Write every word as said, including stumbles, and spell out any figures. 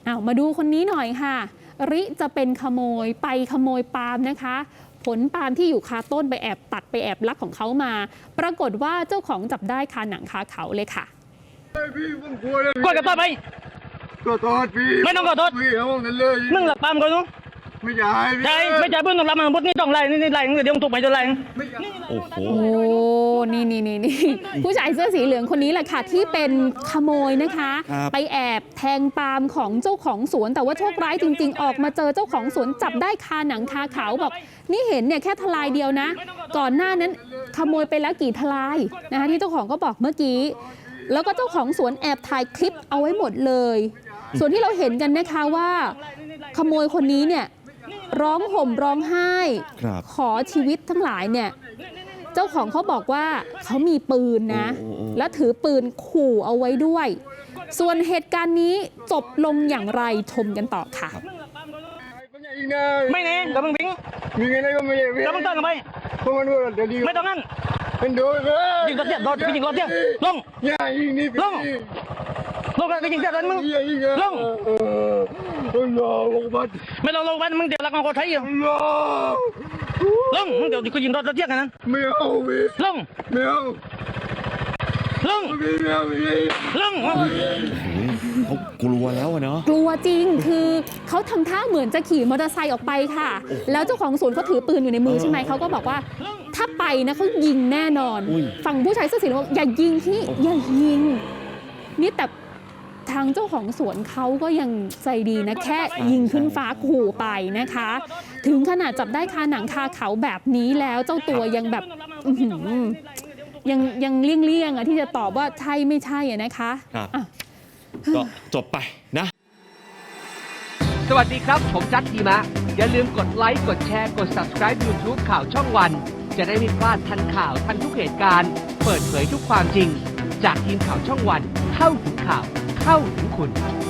อ้าวมาดูคนนี้หน่อยค่ะริจะเป็นขโมยไปขโมยปาล์มนะคะผลปาล์มที่อยู่คาต้นไปแอบตัดไปแอบลักของเขามาปรากฏว่าเจ้าของจับได้คาหนังคาเขาเลยค่ะกดกับตัวไปขอโทษพี่ไม่ต้องขอโทษพี่เอาเงินเลยมึงหลับปาล์มก่อนนู้ไม่จ่ายพี่ใช่ไม่จ่ายเพื่อนต้องรับมาพุทธนี่ต้องไล่นี่นี่ไล่เดี๋ยวมึงถูกไปจะไล่โอ้โหโอ้นี่นี่นี่นี่ผู้ชายเสื้อสีเหลืองคนนี้แหละค่ะที่เป็นขโมยนะคะ ไปแอบแทงปาล์มของเจ้าของสวนแต่ว่าโชคร้ายจริงๆออกมาเจอเจ้าของสวนจับได้คาหนังคาเขาบอกนี่เห็นเนี่ยแค่ทลายเดียวนะ ก่อนหน้านั้นขโมยไปแล้วกี่ทลายนะคะที่เจ้าของก็บอกเมื่อกี้แล้วก็เจ้าของสวนแอบถ่ายคลิปเอาไว้หมดเลยส่วนที่เราเห็นกันนะคะว่าขโมยคนนี้เนี่ยร้องห่มร้องไห้ขอชีวิตทั้งหลายเนี่ยเจ้าของเขาบอกว่าเขามีปืนนะและถือปืนขู่เอาไว้ด้วยส่วนเหตุการณ์นี้จบลงอย่างไรชมกันต่อค่ะไม่เน่กับมึงพิงมีเงินอะไรก็ไม่ได้กับมึงต้องกันไปเพราะมันว่าเดี๋ยวดีไม่ต้องงั้นเป็นโดนเลยยิงรถเตี้ยรถยิงรถเตี้ยลงอย่ายิงนี่พี่ลงลงกันยิงเตี้ยรถมึงอย่ายิงลงเออลงลงบัดไม่ลงลงไปมึงเดี๋ยวรักของคนไทยอยู่ลงลงมึงเดี๋ยวกูยิงรถรถเตี้ยกันนั้นไม่เอาพี่ลงไม่เอาลงพี่ไม่เอาพี่ลงเขากลัวแล้วอะเนาะกลัวจริงคือเขาทำท่าเหมือนจะขี่มอเตอร์ไซค์ออกไปค่ะแล้วเจ้าของสวนเขาถือปืนอยู่ในมือใช่ไหมเขาก็บอกว่าถ้าไปนะเขายิงแน่นอนฝั่งผู้ชายเสื้อสีเหลืองบอกอย่ายิงพี่อย่ายิงนี่แต่ทางเจ้าของสวนเขาก็ยังใจดีนะแค่ยิงขึ้นฟ้าขู่ไปนะคะ ถึงขนาดจับได้คาหนังคาเขาแบบนี้แล้วเจ้าตัวยังแบบยังยังเลี่ยงๆอ่ะที่จะตอบว่าใช่ไม่ใช่อ่ะนะคะก็จบไปนะสวัสดีครับผมจัดทีมะอย่าลืมกดไลค์กดแชร์กด ซับสไครบ์ ยูทูบ ข่าวช่องวันจะได้ไม่พลาดทันข่าวทันทุกเหตุการณ์เปิดเผยทุกความจริงจากทีมข่าวช่องวันเข้าถึงข่าวเข้าถึงคุณ